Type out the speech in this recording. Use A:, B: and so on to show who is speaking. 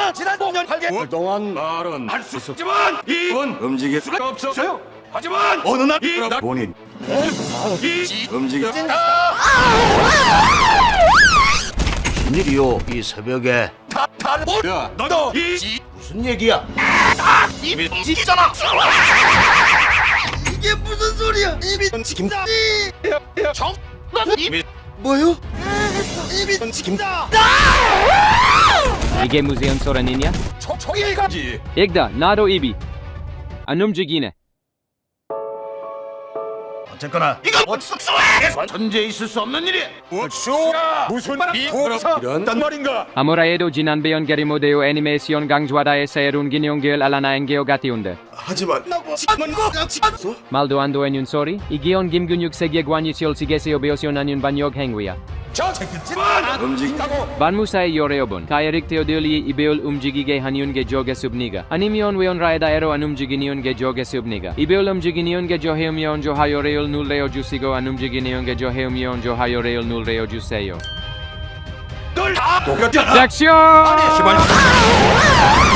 A: 지난 5년 8개월 동안
B: 말은
A: 할 수 있지만 이건
B: 움직일 수가 없어요.
A: 하지만 어느 날 이
B: 본인
A: 움직여
C: 무슨 일이요 이 새벽에?
B: 야,
A: 너도 이
C: 무슨 얘기야?
A: 입이 찢잖아. 이게 무슨 소리야? 입이 찢긴다. 입이 뭐요? 입이 찢긴다.
D: 이게 무슨 소란이냐?
A: 총일가지.
D: 읽다 나도 입이 안 움직이네.
C: 어쨌거나
A: 이거 숙소에
C: 전제 있을 수 없는 일이야.
A: 우수야 무슨 미국사 이런 말인가?
D: 아무래도 지난 배연결이 모데오 애니메이션 강좌다의 새로운 기념길 알라나엔 게오가티운데
A: 하지만
D: 말도 안 되는 소리? 이 기온 김근육 세계 관이실 시계세요 배우시오나는 반역 행위야.
A: 저 새끼지만 움직인다고.
D: 반무사의 요래여본 가야릭 테오딜리 이베올 움직이게 하니운 게 조겠습니까? 아니면 외원라에다에로 안 움직이니운 게 조겠습니까? 이베올 움직이니운 게 조해우면 조하요레올 눌레어 주시고 안 움직이니운 게 조해우면 조하요레올 눌레어 주세요.
A: 널다 녹였잖아.
D: 섹션!